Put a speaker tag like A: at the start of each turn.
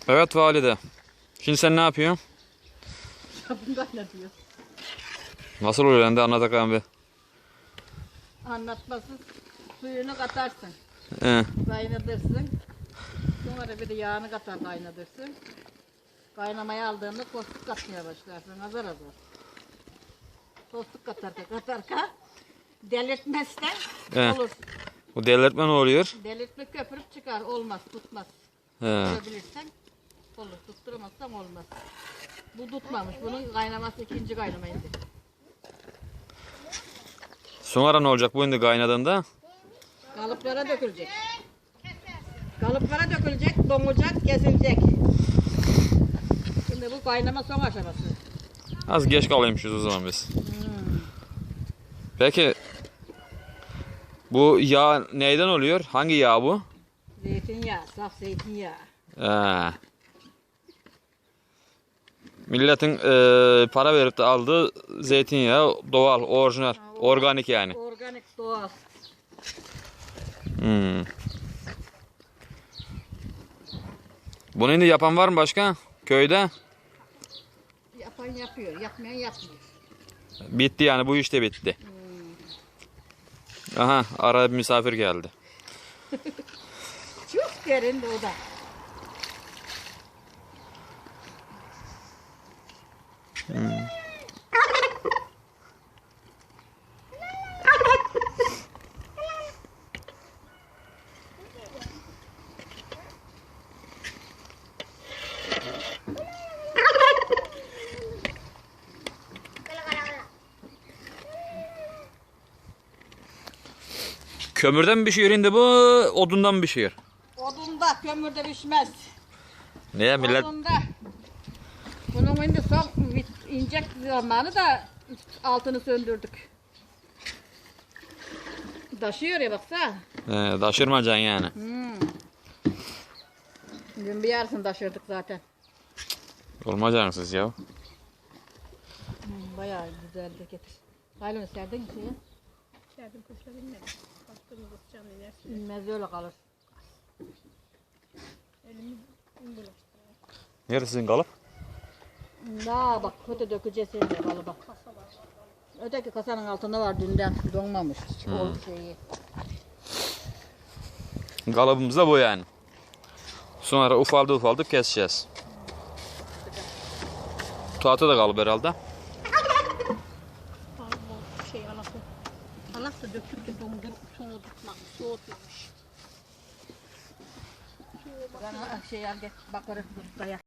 A: Evet valide. Şimdi sen ne yapıyorsun?
B: Sabun kaynatıyor.
A: Nasıl oluyor lan de anlat bakalım bir.
B: Anlatmasız suyunu katarsın.
A: He.
B: Kaynatırsın. Sonra bir de yağını katar kaynatırsın. Kaynamaya aldığında tostluk katmaya başlarsın azar azar. Tostluk katarka delirtmezsen
A: He.
B: olur.
A: Bu delirtme ne oluyor?
B: Delirtme köpürüp çıkar olmaz tutmaz.
A: He.
B: Tutturabilirsen olur tutturamazsan olmaz. Bu tutmamış bunun kaynaması ikinci kaynamaydı.
A: Sonra ne olacak bu şimdi kaynadığında?
B: Kalıplara dökülecek. Kalıplara dökülecek, donacak, kesilecek. Şimdi bu kaynama son aşaması.
A: Az geç kalıyormuşuz o zaman biz. Peki bu yağ neyden oluyor? Hangi yağ bu?
B: Zeytinyağı, saf zeytinyağı.
A: He. Milletin para verip de aldığı zeytinyağı doğal, orijinal, organik yani.
B: Organik, doğal.
A: Hmm. Bunu şimdi yapan var mı başka? Köyde?
B: Yapan yapıyor, yapmayan yapmıyor.
A: Bitti yani bu iş de bitti. Aha araya bir misafir geldi.
B: Çok derin de o da.
A: Kömürden mi pişiyor şimdi bu, odundan mı pişiyor?
B: Odunda, kömürde pişmez.
A: Niye millet?
B: Odunda. Bunun şimdi son inecek zamanı da altını söndürdük. Taşıyor ya baksana.
A: Taşırmayacaksın yani.
B: Dün bir yarısını taşırdık zaten.
A: Olmayacaksınız ya.
B: Bayağı güzeldi getir. Haylını serdin mi suya?
C: Serdim kuşla bilmedim. Bastığımız atacağım inersin.
B: Bilmez öyle kalır.
C: Elimi bulaştırıyor.
A: Neresi sizin kalıp?
B: Daha bak kötü dökeceğiz şimdi kalıba. Öteki kasanın altında var dünden donmamış. O şeyi.
A: Kalıbımız da bu yani. Sonra ufaldı keseceğiz. Tuhatı da kalıp herhalde.
C: Şey anası. Anası döküp de dondurup soğutmak. Soğutuyormuş.
B: Ben şey al gel bakarız.